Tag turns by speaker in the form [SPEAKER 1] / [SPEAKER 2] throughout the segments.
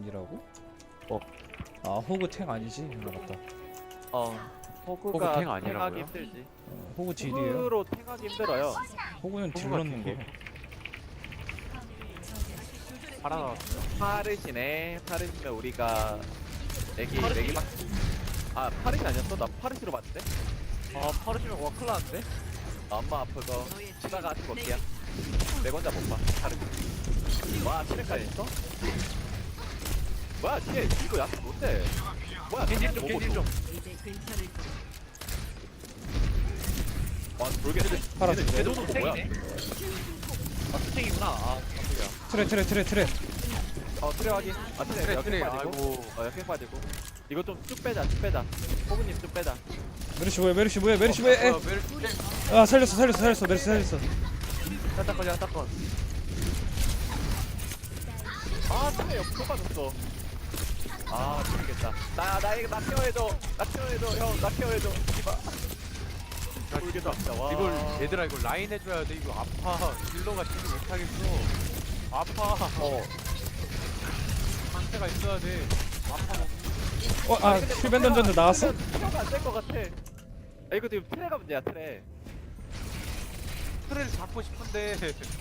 [SPEAKER 1] 탱이라고? 아 호그 탱 아니지? 맞다.
[SPEAKER 2] 호그가
[SPEAKER 3] 호그 탱
[SPEAKER 2] 탱하기
[SPEAKER 3] 아니라고요?
[SPEAKER 2] 힘들지.
[SPEAKER 1] 호그 딜이에요.
[SPEAKER 2] 호그로 탱하기 힘들어요.
[SPEAKER 1] 호그는 딜
[SPEAKER 3] 호그가
[SPEAKER 1] 넣는 거.
[SPEAKER 3] 딜이에요. 팔아
[SPEAKER 2] 파르시네. 파르시면 우리가 맥이 막. 아 파르시 아니었어? 나 파르시로 봤는데?
[SPEAKER 3] 파르시면 와 큰일 났는데?
[SPEAKER 2] 엄마 아프고 치다가 아직 못게야. 내 혼자 못 봐. 파르시. 와 트랙까지 있어? 뭐야 뒤에 이거 약간 못해. 뭐야
[SPEAKER 3] 겐질 좀 겐질 좀
[SPEAKER 2] 와 돌게.
[SPEAKER 1] 팔아.
[SPEAKER 2] 제도도 뭐야?
[SPEAKER 3] 스택이구나
[SPEAKER 1] 트레.
[SPEAKER 2] 트랙 확인. 트랙
[SPEAKER 3] 트랙,
[SPEAKER 2] 역행
[SPEAKER 3] 트랙.
[SPEAKER 2] 빠지고.
[SPEAKER 3] 아이고.
[SPEAKER 2] 역행 빠지고. 이거 좀 쭉 빼자. 호그님 쭉 빼자.
[SPEAKER 1] 메르시 뭐야? 에. 아 살렸어. 메르시 살렸어.
[SPEAKER 3] 야타건
[SPEAKER 2] 아 트랙 옆으로 빠졌어. 아 모르겠다. 나 케어해줘. 형. 나 케어해줘. 이봐. 모르겠다. 진짜. 와.
[SPEAKER 3] 이걸 얘들아 이거 라인 해줘야 돼. 이거 아파. 딜러가 딜을 못하겠어. 아파. 상태가 있어야 돼. 아파.
[SPEAKER 1] 힐밴 던졌는데 나왔어?
[SPEAKER 2] 케어가 안 될 것 같아. 이거 지금 트랙가 문제야 트랙.
[SPEAKER 3] 트레를 잡고 싶은데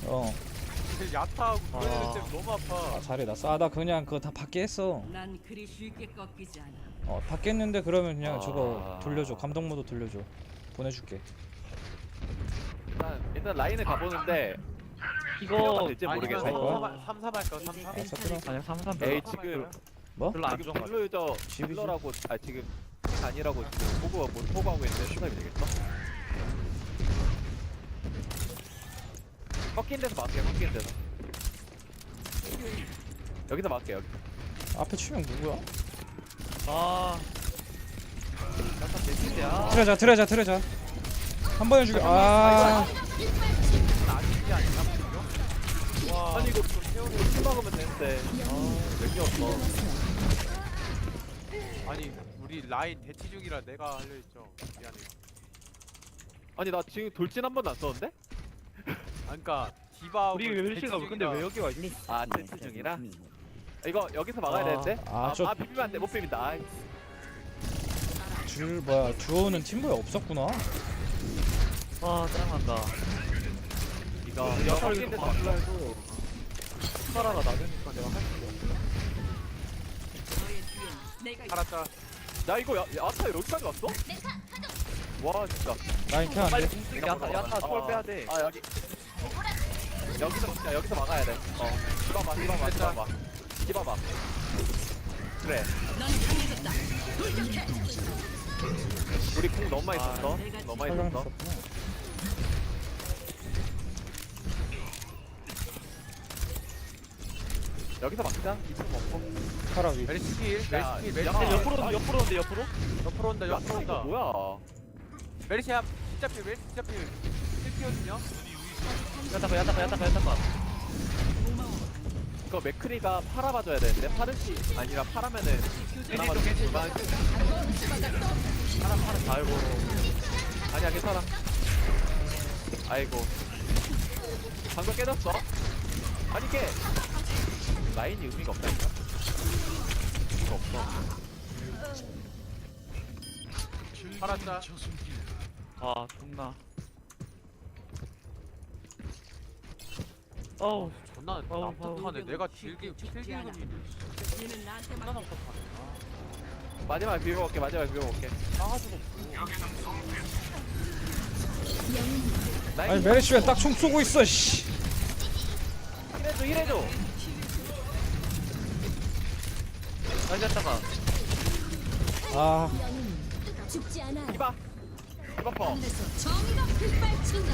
[SPEAKER 3] 야타하고
[SPEAKER 2] 아.
[SPEAKER 3] 그러는 때문에 너무 아파.
[SPEAKER 1] 잘해 나 싸다 그냥 그거 다 받게 했어.
[SPEAKER 4] 난 그리 쉽게 꺾이지 않아.
[SPEAKER 1] 받게 했는데 그러면 그냥
[SPEAKER 2] 아.
[SPEAKER 1] 저거 돌려줘. 감동 모드 돌려줘. 보내줄게.
[SPEAKER 2] 일단 라인을 가보는데
[SPEAKER 3] 이거
[SPEAKER 2] 될지 모르겠어.
[SPEAKER 1] 갈 거야?
[SPEAKER 3] 3-3 할까? 3-3?
[SPEAKER 1] 사투랑
[SPEAKER 3] 아니 3-3
[SPEAKER 2] 에이 지금
[SPEAKER 1] 뭐?
[SPEAKER 3] 별로 안
[SPEAKER 2] 지금
[SPEAKER 3] 좋은 거
[SPEAKER 2] 딜러 유저
[SPEAKER 1] 집이지.
[SPEAKER 2] 딜러라고 지금 아니라고 지금 호구하고 있는데 수납이 되겠어? 꺾인 데서 막게 꺾인 데서 여기서 막게 여기.
[SPEAKER 1] 앞에 치명 누구야?
[SPEAKER 3] 아 약간 대신데야.
[SPEAKER 1] 트레자. 한 번에 죽여. 아.
[SPEAKER 3] 아니지 아닌가? 와
[SPEAKER 2] 아니 이거 태우고 킬 막으면 되는데 맥이 없어.
[SPEAKER 3] 아니 우리 라인 대치 중이라 내가 하려 했죠. 미안해요.
[SPEAKER 2] 아니 나 지금 돌진 한 번도 안 썼는데?
[SPEAKER 3] 그러니까 디바
[SPEAKER 5] 우리 멜시가 근데 왜 여기 와 있니?
[SPEAKER 2] 아 대치 중이라? 이거 여기서 막아야 되는데? 비비면 안돼 못 비빈다. 아이.
[SPEAKER 1] 듀오는 팀보에 없었구나.
[SPEAKER 5] 아 짜증난다.
[SPEAKER 2] 이거
[SPEAKER 5] 야타
[SPEAKER 2] 꺾인
[SPEAKER 5] 이거
[SPEAKER 2] 데서
[SPEAKER 5] 맞추려
[SPEAKER 2] 막게.
[SPEAKER 5] 해도 스파라가 낮으니까 내가 할 수가 없어.
[SPEAKER 4] 너의 뒤엔 내가 있어.
[SPEAKER 3] 살았다.
[SPEAKER 2] 야 이거 야타 여기까지 왔어? 와 진짜.
[SPEAKER 1] 라인 캐안
[SPEAKER 5] 빨리
[SPEAKER 1] 돼.
[SPEAKER 5] 공격 야타 초월 빼야 돼.
[SPEAKER 2] 아 여기서 막아야 돼. 디바봐. 그래.
[SPEAKER 4] 넌 강해졌다. 돌격해.
[SPEAKER 2] 우리 궁 너무 많이 썼어.
[SPEAKER 4] 내가
[SPEAKER 2] 너무 많이
[SPEAKER 1] 설명
[SPEAKER 2] 썼어.
[SPEAKER 1] 있었구나.
[SPEAKER 2] 여기서 막자. 이층 먹고.
[SPEAKER 1] 파라 위.
[SPEAKER 3] 메리스 킬.
[SPEAKER 2] 야,
[SPEAKER 3] 메리스 킬.
[SPEAKER 2] 야,
[SPEAKER 3] 메리스
[SPEAKER 5] 옆으로 온다 옆으로 온대 옆으로.
[SPEAKER 3] 옆으로 온다.
[SPEAKER 2] 야
[SPEAKER 3] 옆으로
[SPEAKER 2] 이거
[SPEAKER 3] 온다.
[SPEAKER 2] 뭐야?
[SPEAKER 3] 메리시야 진짜 필. 메리시 진짜 필. 필이거든요.
[SPEAKER 5] 야타봐.
[SPEAKER 2] 이거 맥크리가 팔아봐줘야 되는데 파르시 아니라 파라면은 그나마 좀 그만. 파라 아이고. 아니야 괜찮아. 아이고. 방금 깨졌어? 아니 이게 라인이 의미가 없다니까. 의미가 없어.
[SPEAKER 3] 살았다.
[SPEAKER 5] 아 존나. 어우
[SPEAKER 3] 존나
[SPEAKER 5] 어우,
[SPEAKER 3] 답답하네. 내가 딜기
[SPEAKER 4] 죽지
[SPEAKER 3] 딜기금이
[SPEAKER 4] 않아. 얘는 나한테
[SPEAKER 3] 존나
[SPEAKER 4] 맡겨.
[SPEAKER 3] 답답하네.
[SPEAKER 2] 마지막에 비벼볼게.
[SPEAKER 3] 싸가지고
[SPEAKER 1] 아니 메르시 왜 딱 총 쏘고 있어 씨.
[SPEAKER 2] 힐해줘.
[SPEAKER 5] 야타봐.
[SPEAKER 1] 아
[SPEAKER 6] 죽지 않아.
[SPEAKER 2] 디바 퍼.
[SPEAKER 6] 하늘에서 정의가 빛발친다.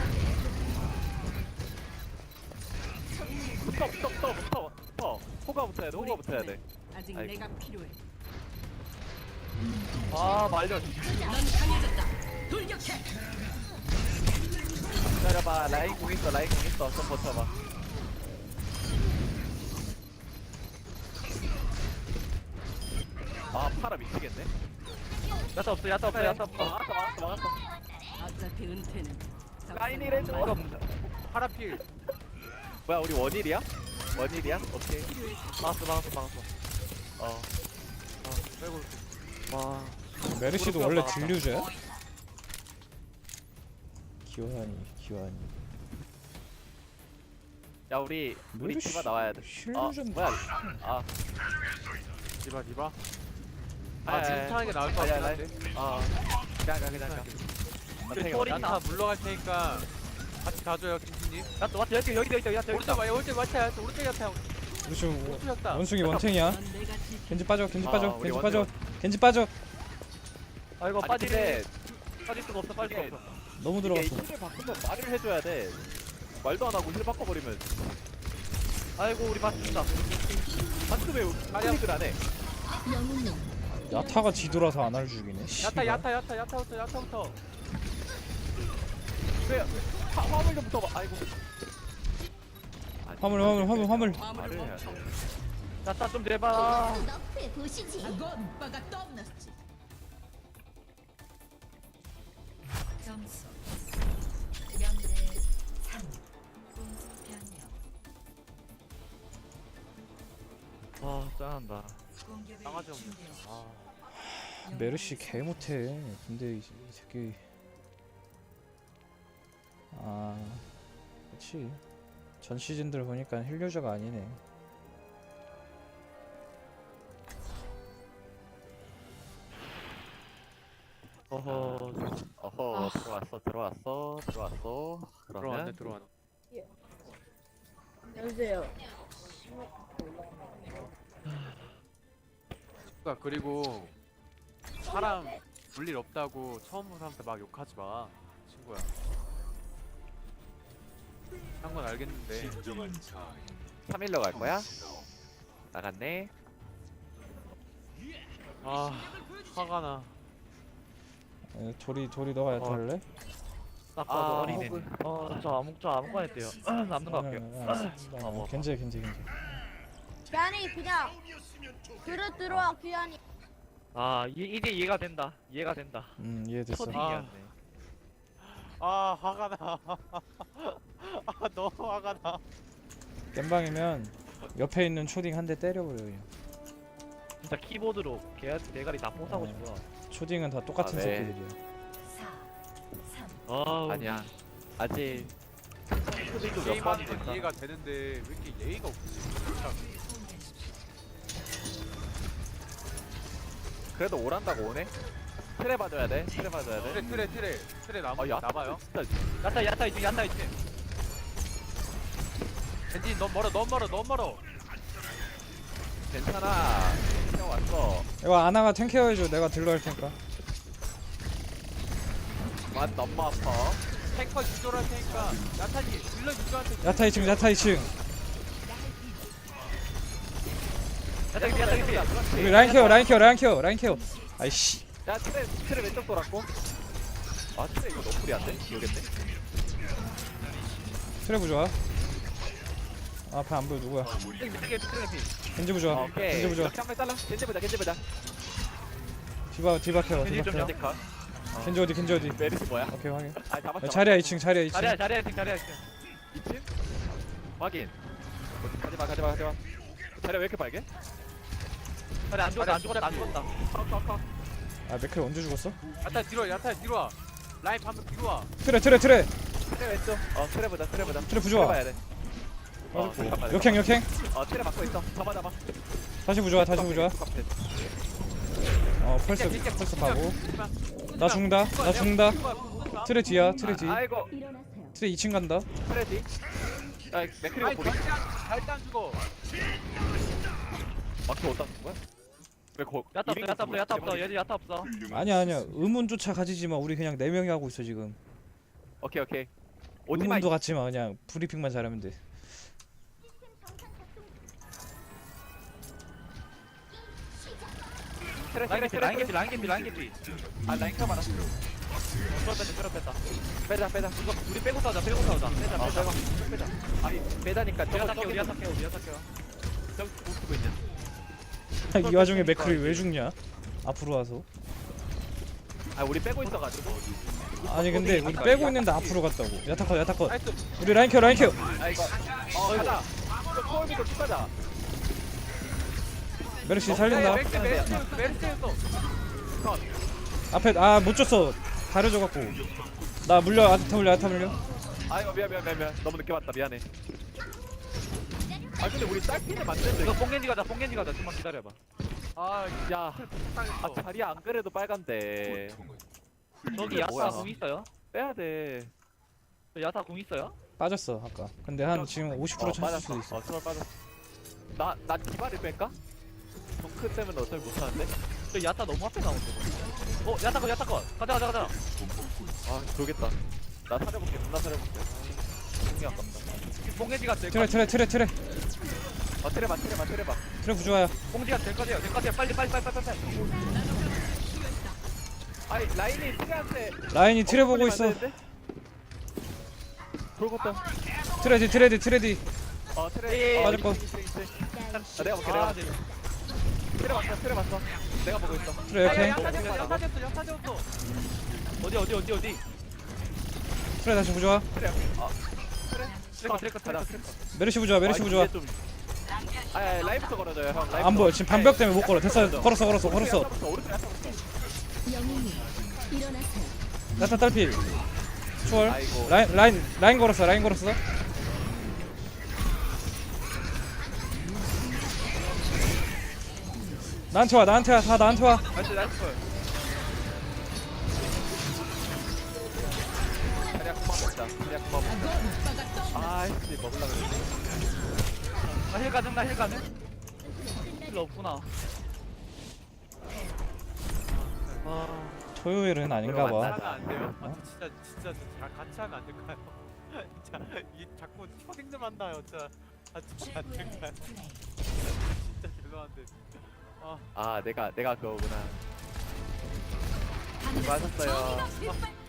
[SPEAKER 2] 붙어. 호가 붙어야 돼.
[SPEAKER 4] 아직
[SPEAKER 2] 아이고.
[SPEAKER 4] 내가 필요해.
[SPEAKER 5] 아 말려.
[SPEAKER 4] 넌 강해졌다. 돌격해.
[SPEAKER 2] 기다려봐. 라인 공 있어. 좀 버텨봐. 아 파라 미치겠네.
[SPEAKER 5] 야타 없어.
[SPEAKER 2] 막았어.
[SPEAKER 4] 어차피 은퇴는
[SPEAKER 2] 라인이래 줘.
[SPEAKER 3] 파라필.
[SPEAKER 2] 뭐야 우리 원일이야? 오케이.
[SPEAKER 5] 막았어.
[SPEAKER 3] 빼고
[SPEAKER 5] 와
[SPEAKER 1] 메르시도 원래 딜류저야? 기환이
[SPEAKER 2] 야 우리
[SPEAKER 1] 메르시
[SPEAKER 2] 디바 나와야 돼.
[SPEAKER 1] 힐류전
[SPEAKER 2] 뭐야? 아,
[SPEAKER 3] 디바.
[SPEAKER 2] 아,
[SPEAKER 3] 아 지금 타는 게 나을 것
[SPEAKER 2] 아니야,
[SPEAKER 3] 같긴 한데.
[SPEAKER 2] 그냥.
[SPEAKER 3] 야타 물러갈 테니까 같이 가줘요 김진님.
[SPEAKER 5] 야또 왔다 여기 있다 야또
[SPEAKER 3] 오른쪽 봐, 오른쪽 야타, 오른쪽 야타,
[SPEAKER 1] 루시
[SPEAKER 3] 오른쪽 야타.
[SPEAKER 1] 원숭이 원탱이야.
[SPEAKER 4] 넌 내가 지킨
[SPEAKER 1] 겐지 빠져 겐지 빠져
[SPEAKER 2] 우리
[SPEAKER 1] 겐지
[SPEAKER 2] 원숭이
[SPEAKER 1] 빠져 겐지 빠져.
[SPEAKER 5] 아이고
[SPEAKER 2] 아니,
[SPEAKER 5] 빠지네 빠질 수가 없어 빠질 수가 없어
[SPEAKER 1] 너무
[SPEAKER 2] 이게
[SPEAKER 1] 들어갔어.
[SPEAKER 2] 힐을 바꾸면 말을 해줘야 돼. 말도 안 하고 힐 바꿔버리면.
[SPEAKER 5] 아이고 우리 맞습니다
[SPEAKER 2] 한테 왜 클릭을 안 해?
[SPEAKER 6] 영웅님
[SPEAKER 1] 야타가 뒤돌아서 안 할 죽이네. 씨발.
[SPEAKER 3] 야타부터.
[SPEAKER 2] 왜 화물 좀 붙어봐. 아이고.
[SPEAKER 1] 화물.
[SPEAKER 2] 말을 해야 돼.
[SPEAKER 5] 야타 좀 내봐
[SPEAKER 6] 너프에 보시지.
[SPEAKER 4] 오빠가 떠났지.
[SPEAKER 7] 점수 0대 3 공수 변형
[SPEAKER 5] 아 짠한다
[SPEAKER 7] 공격을
[SPEAKER 3] 강아지 없네.
[SPEAKER 7] 준비하십시오.
[SPEAKER 1] 메르시 개 못해. 근데 이 새끼. 그렇지. 전 시즌들 보니까 힐류저가 아니네.
[SPEAKER 2] 어허 들어왔어. 그러면
[SPEAKER 3] 들어왔네.
[SPEAKER 8] 여보세요.
[SPEAKER 3] 그러니까 그리고 사람 볼일 없다고 처음 본 사람한테 막 욕하지 마, 친구야. 한 건 알겠는데.
[SPEAKER 2] 3일로 갈 거야? 나갔네.
[SPEAKER 3] 아 화가 나.
[SPEAKER 1] 도리 너가 야타 할래?
[SPEAKER 5] 딱 봐도 어린애
[SPEAKER 2] 호그.
[SPEAKER 5] 저 아무거나 했대요 남는 거 할게요
[SPEAKER 1] 겐지.
[SPEAKER 8] 귀한이 그냥 들어와 귀한이.
[SPEAKER 5] 아 이제 이해가 된다
[SPEAKER 1] 이해됐어.
[SPEAKER 5] 초딩이었네
[SPEAKER 3] 화가 나. 너무 화가 나.
[SPEAKER 1] 겜방이면 옆에 있는 초딩 한 대 때려버려 그냥.
[SPEAKER 5] 진짜 키보드로 대가리 다 뽀사고 싶어
[SPEAKER 1] 초딩은 다 똑같은
[SPEAKER 2] 네.
[SPEAKER 1] 새끼들이야.
[SPEAKER 7] 4 3
[SPEAKER 5] 아우
[SPEAKER 2] 아니야. 아직 초딩도 몇
[SPEAKER 3] 게임하는
[SPEAKER 2] 번이
[SPEAKER 3] 건
[SPEAKER 2] 됐다.
[SPEAKER 3] 이해가 되는데 왜 이렇게 예의가 없지?
[SPEAKER 2] 그래도 오란다고 오네. 트레 봐줘야 돼.
[SPEAKER 3] 트레
[SPEAKER 2] 아,
[SPEAKER 3] 나봐요.
[SPEAKER 2] 진짜
[SPEAKER 5] 야타 2층
[SPEAKER 3] 벤진 너무 멀어.
[SPEAKER 2] 괜찮아. 형 왔어.
[SPEAKER 1] 이거 아나가 탱케어해줘. 내가 딜러 할 테니까.
[SPEAKER 2] 맛 너무 아파.
[SPEAKER 3] 탱커 유도할 테니까 야타니 딜러 유도한테.
[SPEAKER 1] 야타 2층.
[SPEAKER 5] 야타
[SPEAKER 1] 우리 라인 케어. 아이씨.
[SPEAKER 2] 야 트레 왼쪽 돌았고. 아 트레 이거 너프리 안 돼? 모르겠네.
[SPEAKER 1] 트레 부좋아. 앞에 안 보여 누구야? 겐지 부좋아.
[SPEAKER 2] 오케이.
[SPEAKER 1] 겐지 부좋아.
[SPEAKER 2] 이렇게 한번 잘라. 겐지 보자.
[SPEAKER 1] 디바 케어.
[SPEAKER 5] 겐지 좀 약간
[SPEAKER 1] 겐지 어디?
[SPEAKER 2] 메르시 뭐야?
[SPEAKER 1] 오케이 확인.
[SPEAKER 2] 아 잡았어.
[SPEAKER 1] 자리야 2층.
[SPEAKER 5] 자리야 2층
[SPEAKER 2] 2층? 확인. 가지마. 자리 왜 이렇게 빨개?
[SPEAKER 5] 자리 안 죽었다
[SPEAKER 1] 아 맥클 언제 죽었어?
[SPEAKER 3] 야타 뒤로 와. 라인 방금 뒤로 와.
[SPEAKER 1] 트레.
[SPEAKER 2] 트레 왼쪽. 트레 보자.
[SPEAKER 1] 트레 부좋아.
[SPEAKER 2] 봐야 돼. 잠깐만.
[SPEAKER 1] 역행.
[SPEAKER 2] 트레 막고 있어. 잡아.
[SPEAKER 1] 다시 부좋아. 펄스 가고. 나 죽는다. 트레 뒤야. 트레 뒤.
[SPEAKER 2] 아이고.
[SPEAKER 6] 일어나세요.
[SPEAKER 1] 트레 2층 간다.
[SPEAKER 2] 트레 뒤. 야 맥크리가
[SPEAKER 3] 아니
[SPEAKER 2] 보리.
[SPEAKER 3] 절대 안 죽어.
[SPEAKER 2] 막혀 어디다 둔 거야? 왜 거?
[SPEAKER 5] 야타 없어 얘들 야타 없어
[SPEAKER 1] 아니야. 의문조차 가지지 마. 우리 그냥 4명이 하고 있어 지금.
[SPEAKER 2] 오케이. 오지마.
[SPEAKER 1] 의문도 갖지 마. 그냥 브리핑만 잘하면 돼.
[SPEAKER 2] 트레.
[SPEAKER 5] 라인 개피
[SPEAKER 2] 아 라인 켜 봐라.
[SPEAKER 5] 뺐다
[SPEAKER 2] 빼자.
[SPEAKER 5] 이거 우리 빼고 싸우자 빼자
[SPEAKER 2] 빼자. 아니 빼자니까 저거
[SPEAKER 5] 우리 야타 깨워 저기 못 쓰고 있냐
[SPEAKER 1] 이 와중에 맥클이 왜 죽냐? 앞으로 와서.
[SPEAKER 2] 아 우리 빼고 있어가지고.
[SPEAKER 1] 아니 근데 우리 빼고 있는데 앞으로 갔다고. 야타 컷.
[SPEAKER 3] 나이스.
[SPEAKER 1] 우리 라인 케어.
[SPEAKER 2] 아이고. 가자. 이거 코어미도 쭉 가자.
[SPEAKER 1] 메르시 살린다.
[SPEAKER 3] 메르시였어.
[SPEAKER 1] 앞에 못 줬어. 가려져갖고. 나 물려. 아타 물려.
[SPEAKER 2] 아이고 미안 너무 늦게 왔다 미안해. 아 근데 우리 딸피는 맞는데.
[SPEAKER 5] 이거 뽕겐지 가자 좀만 기다려봐.
[SPEAKER 2] 야, 자리 안 그래도 빨간데.
[SPEAKER 5] 저기
[SPEAKER 2] 뭐야.
[SPEAKER 5] 야타 궁 있어요?
[SPEAKER 2] 빼야 돼.
[SPEAKER 5] 저 야타 궁 있어요?
[SPEAKER 1] 빠졌어 아까. 근데 한 지금 50% 찼을 수도 있어.
[SPEAKER 2] 정말 빠졌어. 나 디바를 뺄까? 정크 때문에 어차피 못하는데?
[SPEAKER 5] 저 야타 너무 앞에 나오는데. 야타 거. 가자.
[SPEAKER 2] 아, 돌겠다. 나 사려볼게, 존나 사려볼게. 공이 아깝다.
[SPEAKER 5] 뽕겐지가 될
[SPEAKER 1] 트레.
[SPEAKER 2] 테레봐.
[SPEAKER 1] 트레 부조화야.
[SPEAKER 5] 뽕지가 될 거세요. 빨리.
[SPEAKER 2] 아니, 라인이 트레한테.
[SPEAKER 1] 라인이 트레 보고 있어.
[SPEAKER 2] 돌겠다.
[SPEAKER 1] 트레디.
[SPEAKER 2] 트레.
[SPEAKER 1] 맞을 거.
[SPEAKER 2] 내가 볼게,
[SPEAKER 5] 아,
[SPEAKER 2] 트레 봤어. 내가 보고 있어.
[SPEAKER 1] 트레 오케이.
[SPEAKER 5] 야타 되었어. 어디?
[SPEAKER 1] 트레 다시 부조화.
[SPEAKER 5] 트레커.
[SPEAKER 1] 메르시 부조화.
[SPEAKER 2] 라인부터 걸어줘요, 형. 라인부터.
[SPEAKER 1] 안 보여. 지금 반벽 때문에 못 걸어. 됐어. 걸었어.
[SPEAKER 2] 오른쪽 야타
[SPEAKER 6] 영웅님 일어나세요.
[SPEAKER 1] 야타 딸피. 추월.
[SPEAKER 2] 아이고.
[SPEAKER 1] 라인 걸었어. 나한테 와. 다 나한테 와.
[SPEAKER 5] 나이스.
[SPEAKER 2] 자리야 금방 먹자. 아이씨, 먹으려고 그랬지.
[SPEAKER 5] 나 힐 가능? 힐 없구나.
[SPEAKER 1] 토요일은 아닌가 봐.
[SPEAKER 3] 하면 안 돼요? 진짜 같이 하면 안 될까요? 진짜 이 자꾸 초딩 좀 한다요. 진짜 안 될까요? 진짜 죄송한데.
[SPEAKER 2] 내가 그거구나. 맞았어요.